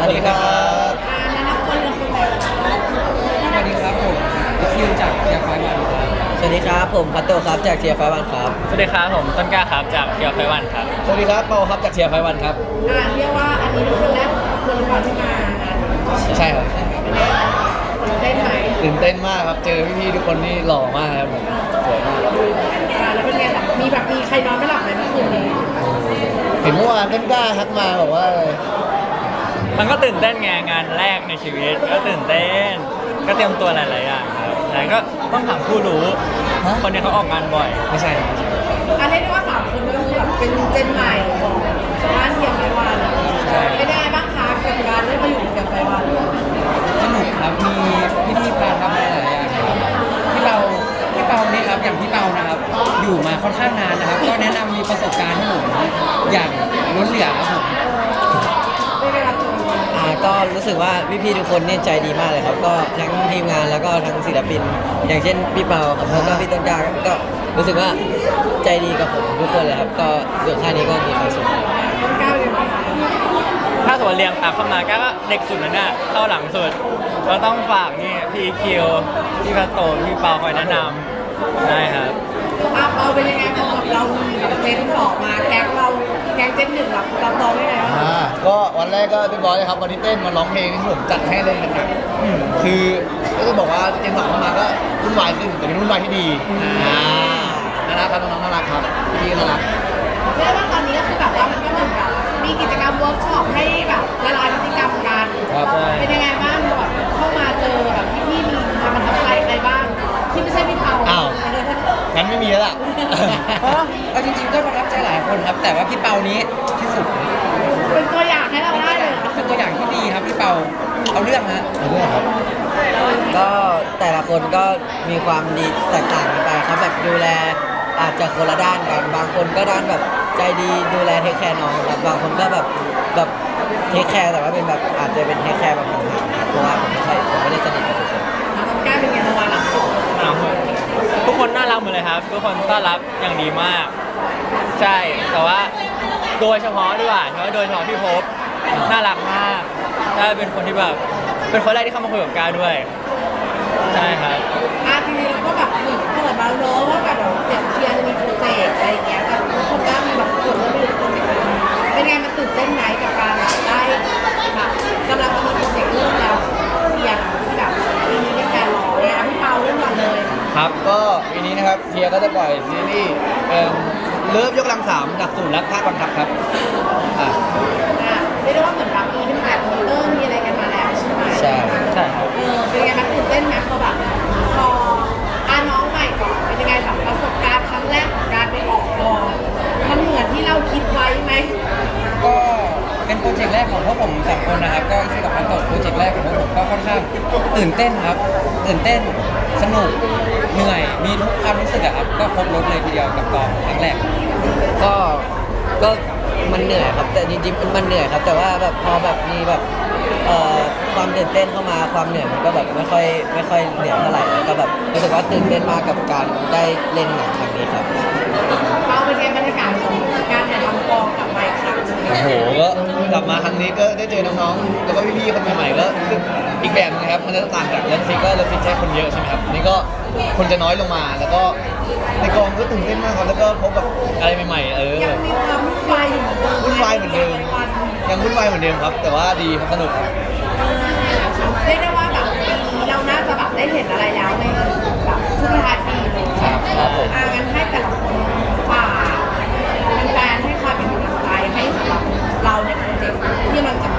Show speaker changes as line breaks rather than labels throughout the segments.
วัสดีครับ
แนะนำตัวเลยคุณแบบ
สวัสดีครับผมคิวจากเทียร์ไฟวันครับสวัสดีครับผมพัตโตครับจากเทียร์ไฟวันครับ
สวัสดีครับผมต้นกล้าครับจากเกียวไพวันครับ
สวัสดีครับเปาครับจากเทียร์ไฟวันครับ
เรียกว่าอันนี้เป็นครั้งแรกของคุณก่อนที่มางาน
ใช่ครับ
ได้ไหม
ตื่นเต้นมากครับเจอพี่ๆทุกคนนี่หล่อมากครับผมสวยมาก
แล้วเป็นไงแบบมีใครนอนไม่หลับไหมเมื่อคืนนี้
เห็นเมื่อวานต้นกล้าทักมาบอกว่า
มันก็ตื่นเต้นไงงานแรกในชีวิตก็ตื่นเต้นก็เตรียมตัวหลายๆอย่างครับแต่ก็ต้องถามผู้รู้คนนี้เขาออกงานบ่อย
ไม่ใช่ครับ
เรียกได้ว่า3 คนก็คือแบบเป็นเจนใหม่ของบ้านเทียมไฟวันเป็นยังไงบ้างคะกับการได้มาอยู่เทียมไฟวัน
สนุกครับมีพี่ๆพาทำอะไรหลายอย่างครับพี่เปานี่ครับอย่างพี่เปานะครับอยู่มาค่อนข้างนานนะครับก็แนะนำมีประสบการณ์ให้ผมอย่างล้นเหลือครับผม
ไม่ได้รับตัว
ก็รู้สึกว่าพี่ๆทุกคนเนี่ยใจดีมากเลยครับก็ทั้งทีมงานแล้วก็ทั้งศิลปิน อย่างเช่นพี่เปาครับแล้วก็พี่ต้นกล้าก็รู้สึกว่าใจดีกับผมทุกคนเลยครับก็อยู่ค่ายนี้ก็มีความสุข
ก้าวเลยไหมคะ
ถ้าสมมติเรียงตามเข้ามาก็เด็กสุดนั่นน่ะเข้าหลังสุดเราต้องฝากนี่พี่คิวพี่พัตโตพี่เปาคอยแนะนำได้ครับ
เอาเป็นยังไงพอเรามีแบบเจน2มาแก๊งเราแก๊งเจน1เราตองได้ไงวะ
ก็วันแรกก็เรียบร้อยเลยครับวันที่เต้นมาร้องเพลงที่ผมจัดให้เลยนะครับคือก็จะบอกว่าเจนสองเข้ามาก็วุ่นวายขึ้นแต่เป็นวุ่นวายที่ดีน่ารักครับน้องๆน่ารักครับพี่น่ารัก
เรียกว่าตอนนี้ก็คือแบบว่ามันก็เหมือนกับมีกิจกรรมเวิร์กช็อปให้แบบละลายพฤติกรรมกัน
ครับ
เป็นยังไงบ้างแบบเข้ามาเจอแบบพี่มีมาประทับใจใครบ้างที่ไม่ใช่พี่เปา
อ้าวงั้นไม่มีแล้วล่ะ
ก็จริงๆก็ประทับใจหลายคนครับ แต่ว่าพี่เปานี้ที่สุด
เป็นตัวอย่างให้เราได้เลยเหรอ
เป็นตัวอย่างที่ดีครับพี่เปาเอาเรื่องฮะ
เอาเรื่องครับ
ก็แต่ละคนก็มีความดีแตกต่างกันไปครับแบบดูแลอาจจะคนละด้านกัน บางคนก็ด้านแบบใจดีดูแลเทคแคร์น้องครับบางคนก็แบบเทคแคร์แต่ว่าเป็นแบบอาจจะเป็นเทคแคร์แบบห่างๆเพราะว่าผมไม่ได้สนิทกับทุกคน
มันกล้าเป็นไงระวังหลังสุด
ทุกคนน่ารักหมดเลยครับ ทุกคนต้อนรับอย่างดีมาก ใช่แต่ว่าโดยเฉพาะด้วยโดยเฉพาะพี่ภพน่ารักมากได้เป็นคนที่แบบเป็นคนแรกที่เข้ามาคุยกับก้าวด้วยใช่ครับ
จริงๆเราก็แบบเหมือนเปิดมาเนอะว่าแบบเดี๋ยวเชียร์จะมีโปรเจกต์อะไรอย่างเงี้ยแต่ทุกคนก็มีแบบกดแล้วไม่รู้โปรเจกต์อะไรเป็นไงมันตื่นเต้นไหมกับการแบบได้แบบกำลังจะมีโปรเจกต์เริ่มแล้วเชียร์ที่แบบปีนี้เป็นแฟนรอเลยพี่เปาเริ่มก่อนเลย
ครับก็ปีนี้นะครับเทียร์ก็จะปล่อยซีรีส์เลิฟยกกำลังสามดักสูตรรักภาคบังคับครับอ่ะ
เรียกได้ว่าเหมือนแบบมีเป็นแบบมีอะไรกันมาแล้วใช่ไหม
ใช่
ใช่ครับ
เป็นยังไงมันตื่นเต้นไหมพอแบบพอน้องใหม่ก่อนเป็นยังไงแบบประสบการณ์ครั้งแรกของการไปออกกองมันเหมือนที่เราคิดไว้ไหม
ก็เป็นโปรเจกต์แรกของพวกผมสองคนนะครับก็ที่กับพันต่อโปรเจกต์แรกของพวกผมก็ค่อนข้างตื่นเต้นครับตื่นเต้นสนุกเหนื่อยมีทุกความรู้สึกอะครับก็ครบรถเลยทีเดียวกับกองครั้งแรกก็มันเหนื่อยครับแต่จริงๆมันเหนื่อยครับแต่ว่าแบบพอแบบมีแบบความตื่นเต้นเข้ามาความเหนื่อยมันก็แบบไม่ค่อยเหนื่อยเท่าไหร่แล้วก็แบบรู้สึกว่าตื่นเต้นมากกับการได้เล่นหนังครั้งนี้ครับ
เราเป็นไงบรรยากาศของการถ่ายทำกองกับไมค์ครับ
โอ้โหก็กลับมาครั้งนี้ก็ได้เจอน้องๆแล้วก็พี่ๆคนใหม่ๆก็อีกแบบนึงนะครับมันจะต่างจากเลิฟซิกก็เลิฟซิกใช้คนเยอะใช่ไหมครับนี่ก็คนจะน้อยลงมาแล้วก็ในกองก็ตื่นเต้นมากครับแล้วก็พบกับอะไรใหม่ๆ
ยังมีความวุ่นวายอยู่เหมือนเดิม
วุ่นวายเหมือนเดิมยังวุ่นวายเหมือนเดิมครับ แต่ว่าดีครับสนุกครับ
เรียกได้ว่าแบบปีนี้เราน่าจะแบบได้เห็นอะไรแล้วในแบบช่วงท้ายปีเลย
ครับผม
งั้นให้แต่ละคนฝากแฟนๆให้คอยเป็นกำลังใจให้สำหรับเราในโปรเจกต์ที่มันจะมี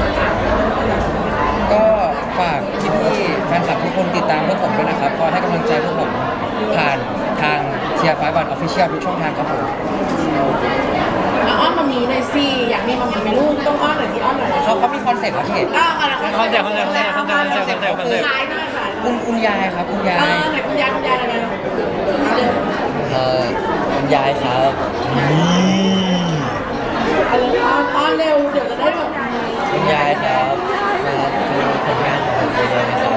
ก็ฝากพี่ๆแฟนคลับทุกคนติดตามพวกผมด้วยนะครับคอยให้กำลังใจพวกผมผ่านทางเชียร์ไฟวันออฟฟิเชียลทุกช่องทางครับผม
อ้อนมามีหน่อยสิอยากมีมามีเป็นลูกต้องอ้อนหน่อยที่อ้อนหน่อย
เขามีคอนเซ็ปต์ครับพี่
คอนเซ็ปต์
ขายหน่อยขาย
คุณยายครับคุณยาย
ไหนคุณยายอะไรนะ
คุณยายครับ
อ้อนเร็วเดี๋ยวจะได้แบบ
คุณยายครับมาดูผลงานของผมเลยนะครับ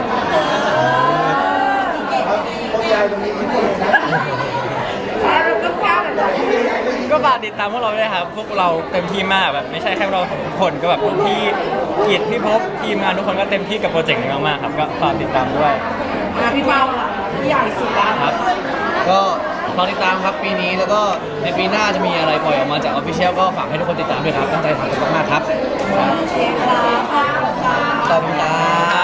เราก็กล้าแบบ
ก็ฝากติดตามพวกเราด้วยครับ พวกเราเต็มที่มากแบบไม่ใช่แค่เราสองคนก็แบบพี่กิจพี่ภพทีมงานทุกคนก็เต็มที่กับโปรเจกต์นี้มากๆครับก็ฝากติดตามด้วย
พี่เป้าล่ะพี่ใหญ่สุดแล้ว
ครับ ก็รอติดตามครับปีนี้แล้วก็ในปีหน้าจะมีอะไรปล่อยออกมาจากออฟฟิเชียลก็ฝากให้ทุกคนติดตามด้วยครับตั้งใจทำกันมากๆครับ
โอเคครับขอบคุณค่ะ
ขอบคุณครับ